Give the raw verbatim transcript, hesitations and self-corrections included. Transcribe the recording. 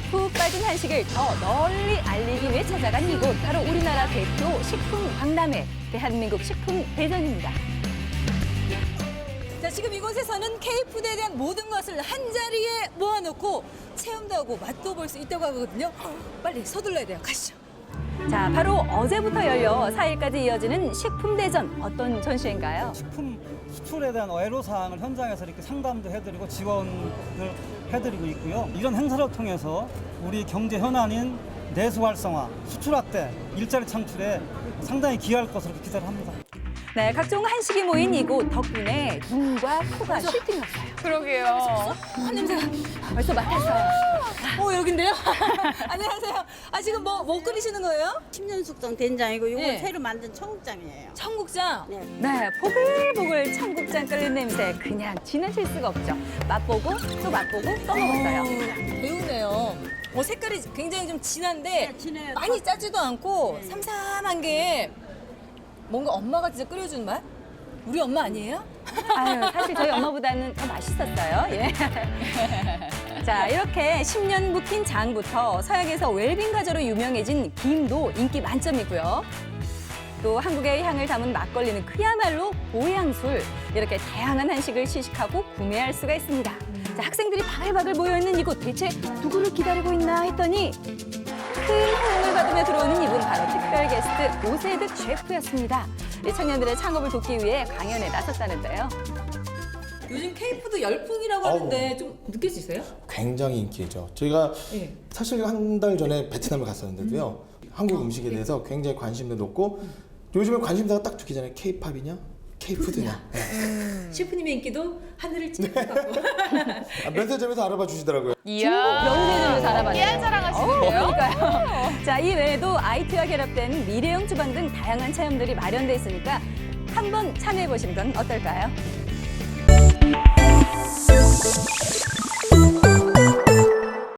푹 빠진 한식을 더 널리 알리기 위해 찾아간 이곳, 바로 우리나라 대표 식품 박람회, 대한민국 식품 대전입니다. 자, 지금 이곳에서는 K푸드에 대한 모든 것을 한 자리에 모아놓고 체험도 하고 맛도 볼 수 있다고 하거든요. 빨리 서둘러야 돼요. 가시죠. 자, 바로 어제부터 열려 사 일까지 이어지는 식품 대전, 어떤 전시회인가요? 식품 수출에 대한 애로사항을 현장에서 이렇게 상담도 해드리고 지원을 해드리고 있고요. 이런 행사를 통해서 우리 경제 현안인 내수 활성화, 수출 확대, 일자리 창출에 상당히 기여할 것으로 기대를 합니다. 네, 각종 한식이 모인 이곳 덕분에 눈과 코가 쉴 났어요. 그러게요. 아, 냄새가. 벌써 맡았어요. 어, 여긴데요? 안녕하세요. 아, 지금 뭐, 뭐 끓이시는 거예요? 십 년 숙성 된장이고 이건 네. 새로 만든 청국장이에요. 청국장. 네. 네, 보글보글 청국장 끓는 냄새 그냥 지나칠 수가 없죠. 맛보고 또 맛보고 또 먹었어요. 배우네요. 어, 색깔이 굉장히 좀 진한데 네, 진해요. 많이 짜지도 않고 네. 삼삼한 게 뭔가 엄마가 진짜 끓여준 맛? 우리 엄마 아니에요? 아유, 사실 저희 엄마보다는 더 맛있었어요. 예. 자, 이렇게 십 년 묵힌 장부터 서양에서 웰빙 과자로 유명해진 김도 인기 만점이고요. 또 한국의 향을 담은 막걸리는 그야말로 보양술. 이렇게 다양한 한식을 시식하고 구매할 수가 있습니다. 자, 학생들이 바글바글 모여있는 이곳, 대체 누구를 기다리고 있나 했더니 큰 호응을 받으며 들어오는 이분, 바로 특별 게스트 오세득 셰프였습니다. 이 청년들의 창업을 돕기 위해 강연에 나섰다는데요. 요즘 K푸드 열풍이라고 하는데 좀 느껴지세요? 굉장히 인기죠. 저희가 네. 사실 한 달 전에 베트남을 갔었는데도요. 한국 음식에 대해서 굉장히 관심도 높고 요즘에 관심사가 딱 두 개잖아요. K-팝이냐, K-푸드냐. 네. 셰프님의 인기도 하늘을 찌를 것 같고. 아, 면세점에서 알아봐 주시더라고요. 이야. 면세점에서 알아봤네요. 깨알 자랑하시는데요? 그러니까요. 자, 이 외에도 아이티와 결합된 미래형 주방 등 다양한 체험들이 마련돼 있으니까 한번 참여해 보시는 건 어떨까요?